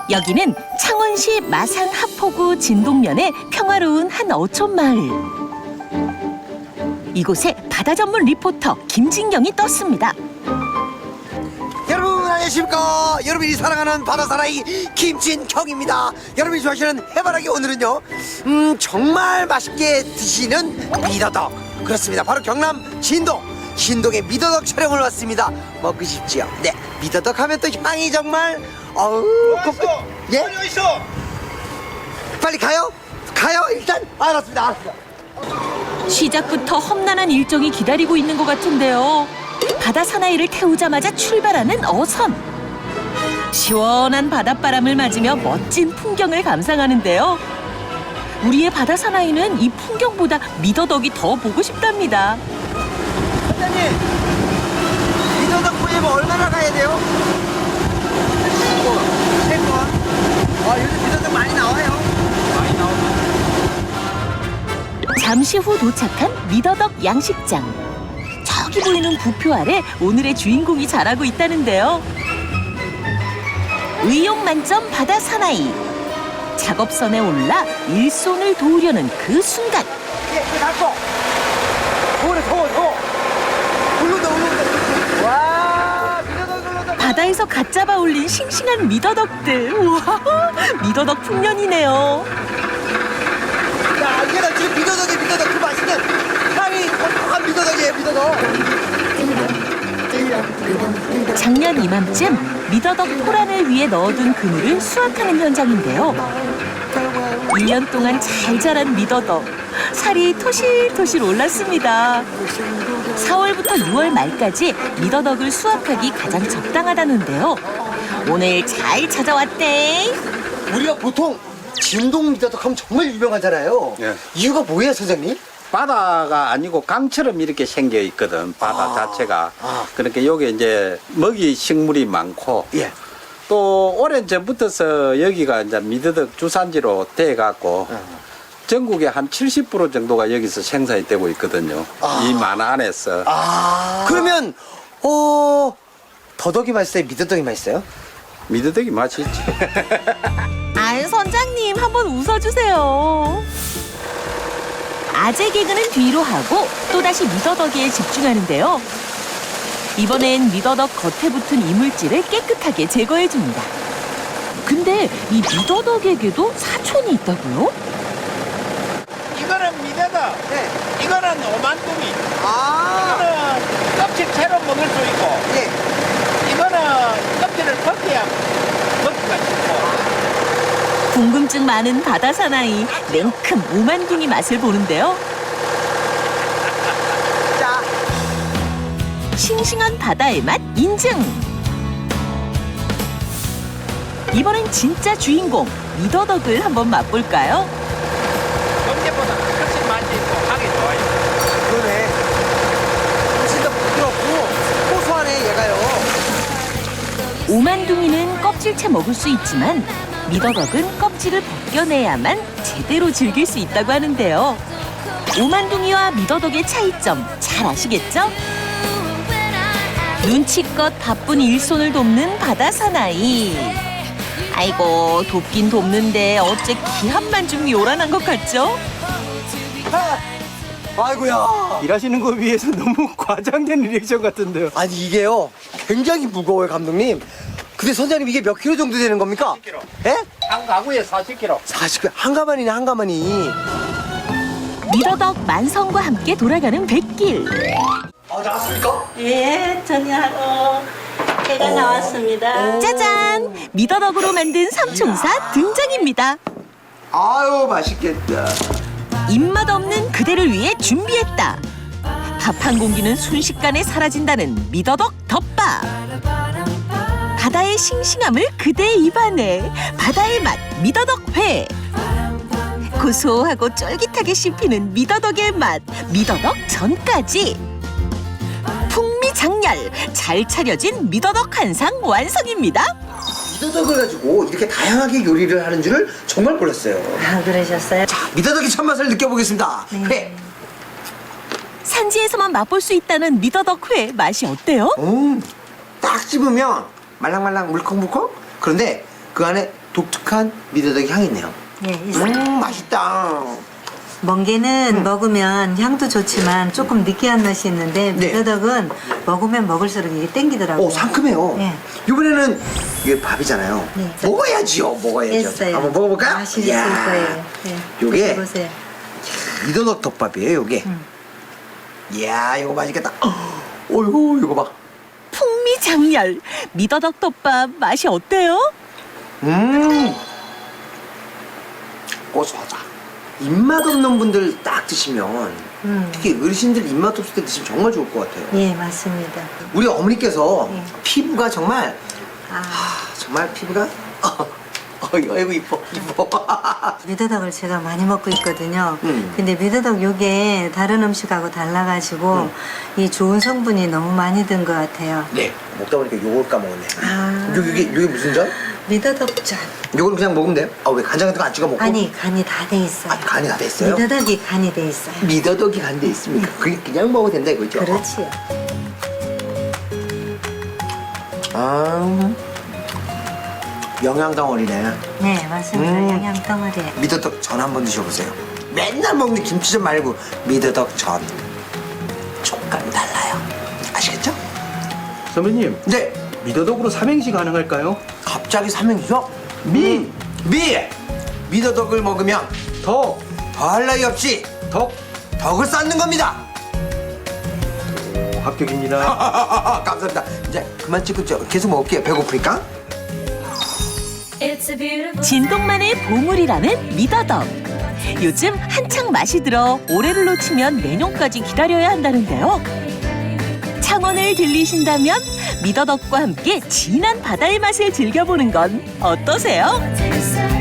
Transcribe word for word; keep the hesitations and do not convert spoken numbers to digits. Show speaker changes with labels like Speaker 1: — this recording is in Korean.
Speaker 1: 여기는 창원시 마산 하포구 진동면의 평화로운 한 어촌 마을. 이곳에 바다 전문 리포터 김진경이 떴습니다.
Speaker 2: 여러분 안녕하십니까. 여러분이 사랑하는 바다 사나이 김진경입니다. 여러분이 좋아하시는 해바라기 오늘은요 음 정말 맛있게 드시는 미더덕, 그렇습니다. 바로 경남 진동 진동의 미더덕 촬영을 왔습니다. 먹고 싶지요? 네, 미더덕 하면 또 향이 정말 어우
Speaker 3: 어딨어?
Speaker 2: 예?
Speaker 3: 어디 있어?
Speaker 2: 빨리 가요? 가요 일단. 알았습니다 알았습니다.
Speaker 1: 시작부터 험난한 일정이 기다리고 있는 것 같은데요. 바다 사나이를 태우자마자 출발하는 어선. 시원한 바닷바람을 맞으며 멋진 풍경을 감상하는데요. 우리의 바다 사나이는 이 풍경보다 미더덕이 더 보고 싶답니다.
Speaker 2: 선장님, 미더덕 구입은 얼마나 가야 돼요? 세 번. 아, 요즘 미더덕 많이 나와요. 많이 나오죠.
Speaker 1: 잠시 후 도착한 미더덕 양식장. 저기 보이는 부표 아래 오늘의 주인공이 자라고 있다는데요. 의욕 만점 바다 사나이. 작업선에 올라 일손을 도우려는 그 순간.
Speaker 2: 예, 그 닫고. 더워래, 더워, 더워. 올른다, 올른다. 와, 미더덕 올른다.
Speaker 1: 바다에서 갓 잡아 올린 싱싱한 미더덕들. 우와, 미더덕 풍년이네요.
Speaker 2: 야, 이게 나 지금 미더덕이 미더덕 그 맛있는 향이 한 미더덕이에요, 미더덕.
Speaker 1: 작년 이맘쯤 미더덕 포란을 위해 넣어둔 그물을 수확하는 현장인데요. 일 년 동안 잘 자란 미더덕. 살이 토실토실 올랐습니다. 사월부터 유월 말까지 미더덕을 수확하기 가장 적당하다는데요. 오늘 잘 찾아왔대.
Speaker 2: 우리가 보통 진동 미더덕 하면 정말 유명하잖아요.
Speaker 4: 예.
Speaker 2: 이유가 뭐예요, 선생님?
Speaker 4: 바다가 아니고 강처럼 이렇게 생겨 있거든, 바다
Speaker 2: 아.
Speaker 4: 자체가.
Speaker 2: 아.
Speaker 4: 그러니까 여기 이제 먹이 식물이 많고,
Speaker 2: 예.
Speaker 4: 또 오랜 전부터서 여기가 이제 미더덕 주산지로 돼 갖고 전국의 한 칠십 퍼센트 정도가 여기서 생산이 되고 있거든요.
Speaker 2: 아.
Speaker 4: 이 만화 안에서.
Speaker 2: 아. 그러면 어 더덕이 맛있어요? 미더덕이 맛있어요?
Speaker 4: 미더덕이 맛이 있지.
Speaker 1: 안 선장님 한번 웃어주세요. 아재 개그는 뒤로 하고 또다시 미더덕에 집중하는데요. 이번엔 미더덕 겉에 붙은 이물질을 깨끗하게 제거해줍니다. 근데 이 미더덕에게도 사촌이 있다고요?
Speaker 3: 이거는 미더덕,
Speaker 2: 네.
Speaker 3: 이거는 오만둥이,
Speaker 2: 아.
Speaker 3: 이거는 껍질 채로 먹을 수 있고,
Speaker 2: 예.
Speaker 3: 이거는 껍질을 벗겨야 먹기가 쉽고.
Speaker 1: 궁금증 많은 바다 사나이 냉큼 오만둥이 맛을 보는데요.
Speaker 2: 자.
Speaker 1: 싱싱한 바다의 맛 인증! 이번엔 진짜 주인공 미더덕을 한번 맛볼까요?
Speaker 3: 언제보다 훨씬 맛이 있고 하기 좋아요.
Speaker 2: 그러네. 진짜 부드럽고 고소하네, 얘가요.
Speaker 1: 오만둥이는 껍질째 먹을 수 있지만 미더덕은 껍질을 벗겨내야만 제대로 즐길 수 있다고 하는데요. 오만둥이와 미더덕의 차이점 잘 아시겠죠? 눈치껏 바쁜 일손을 돕는 바다 사나이. 아이고, 돕긴 돕는데 어째 기합만 좀 요란한 것 같죠?
Speaker 2: 아이고야.
Speaker 5: 일하시는 거 위해서 너무 과장된 리액션 같은데요.
Speaker 2: 아니 이게요 굉장히 무거워요, 감독님. 근데 선장님 이게 몇 킬로 정도 되는 겁니까?
Speaker 3: 사십 킬로.
Speaker 2: 예?
Speaker 3: 한 가구에 사십 킬로.
Speaker 2: 사십 킬로. 한 가마니네, 한 가마니.
Speaker 1: 미더덕 만성과 함께 돌아가는 백길.
Speaker 2: 아, 나왔습니까?
Speaker 6: 예, 전혀하고 해가 나왔습니다.
Speaker 1: 짜잔! 미더덕으로 만든 삼총사 등장입니다.
Speaker 2: 아유, 맛있겠다.
Speaker 1: 입맛 없는 그대를 위해 준비했다. 밥 한 공기는 순식간에 사라진다는 미더덕 덮밥. 바다의 싱싱함을 그대 입안에. 바다의 맛 미더덕 회. 고소하고 쫄깃하게 씹히는 미더덕의 맛 미더덕 전까지. 풍미장렬 잘 차려진 미더덕 한상 완성입니다.
Speaker 2: 미더덕을 가지고 이렇게 다양하게 요리를 하는 줄을 정말 몰랐어요.
Speaker 6: 아, 그러셨어요?
Speaker 2: 자, 미더덕의 첫맛을 느껴보겠습니다. 회.
Speaker 1: 산지에서만 맛볼 수 있다는 미더덕 회 맛이 어때요?
Speaker 2: 음, 딱 씹으면 말랑말랑 물컹물컹? 그런데 그 안에 독특한 미더덕 향이 있네요.
Speaker 6: 네, 있어요.
Speaker 2: 음, 맛있다.
Speaker 6: 멍게는 먹으면 향도 좋지만 조금 느끼한 맛이 있는데
Speaker 2: 네.
Speaker 6: 미더덕은 먹으면 먹을수록 이게 땡기더라고요.
Speaker 2: 오, 상큼해요.
Speaker 6: 네.
Speaker 2: 이번에는 이게 밥이잖아요.
Speaker 6: 네.
Speaker 2: 먹어야지요, 먹어야죠.
Speaker 6: 했어요.
Speaker 2: 한번 먹어볼까요?
Speaker 6: 맛있을
Speaker 2: 이야.
Speaker 6: 거예요. 네.
Speaker 2: 요게
Speaker 6: 보세요.
Speaker 2: 미더덕 덮밥이에요, 요게.
Speaker 6: 음.
Speaker 2: 이야, 이거 맛있겠다. 어이구, 이거 봐.
Speaker 1: 풍미장렬 미더덕 덮밥 맛이 어때요?
Speaker 2: 음, 고소하다. 입맛 없는 분들 딱 드시면,
Speaker 6: 음.
Speaker 2: 특히 어르신들 입맛 없을 때 드시면 정말 좋을 것 같아요.
Speaker 6: 예, 맞습니다.
Speaker 2: 우리 어머니께서
Speaker 6: 네.
Speaker 2: 피부가 정말,
Speaker 6: 아,
Speaker 2: 아, 정말 피부가, 어, 어이구, 아이고, 이뻐, 이뻐.
Speaker 6: 미더덕을 제가 많이 먹고 있거든요.
Speaker 2: 음.
Speaker 6: 근데 미더덕 요게 다른 음식하고 달라가지고
Speaker 2: 음.
Speaker 6: 이 좋은 성분이 너무 많이 든 것 같아요.
Speaker 2: 네, 먹다 보니까 요걸 까먹었네.
Speaker 6: 아.
Speaker 2: 요, 요게, 요게 무슨 전?
Speaker 6: 미더덕전.
Speaker 2: 요거는 그냥 먹으면 돼요? 아, 왜 간장 같은 거 안 찍어 먹고?
Speaker 6: 아니, 간이 다 돼 있어요.
Speaker 2: 아, 간이 다 돼 있어요?
Speaker 6: 미더덕이 간이 돼 있어요.
Speaker 2: 미더덕이 간돼 있습니까? 그게 그냥 먹어도 된다 이거죠?
Speaker 6: 그렇지요.
Speaker 2: 아, 영양 덩어리네.
Speaker 6: 네, 맞습니다.
Speaker 2: 음.
Speaker 6: 영양 덩어리에.
Speaker 2: 미더덕 전 한번 드셔보세요. 맨날 먹는 김치전 말고 미더덕 전. 촉감이 달라요. 아시겠죠?
Speaker 5: 선배님,
Speaker 2: 네.
Speaker 5: 미더덕으로 삼행시 가능할까요?
Speaker 2: 갑자기 삼행시요?
Speaker 5: 미,
Speaker 2: 미! 미더덕을 먹으면
Speaker 5: 덕,
Speaker 2: 더할 나위 없이
Speaker 5: 덕,
Speaker 2: 덕을 쌓는 겁니다.
Speaker 5: 오, 합격입니다.
Speaker 2: 감사합니다. 이제 그만 찍고 저 계속 먹을게요. 배고프니까.
Speaker 1: 진동만의 보물이라는 미더덕. 요즘 한창 맛이 들어 올해를 놓치면 내년까지 기다려야 한다는데요. 창원을 들리신다면 미더덕과 함께 진한 바다의 맛을 즐겨보는 건 어떠세요?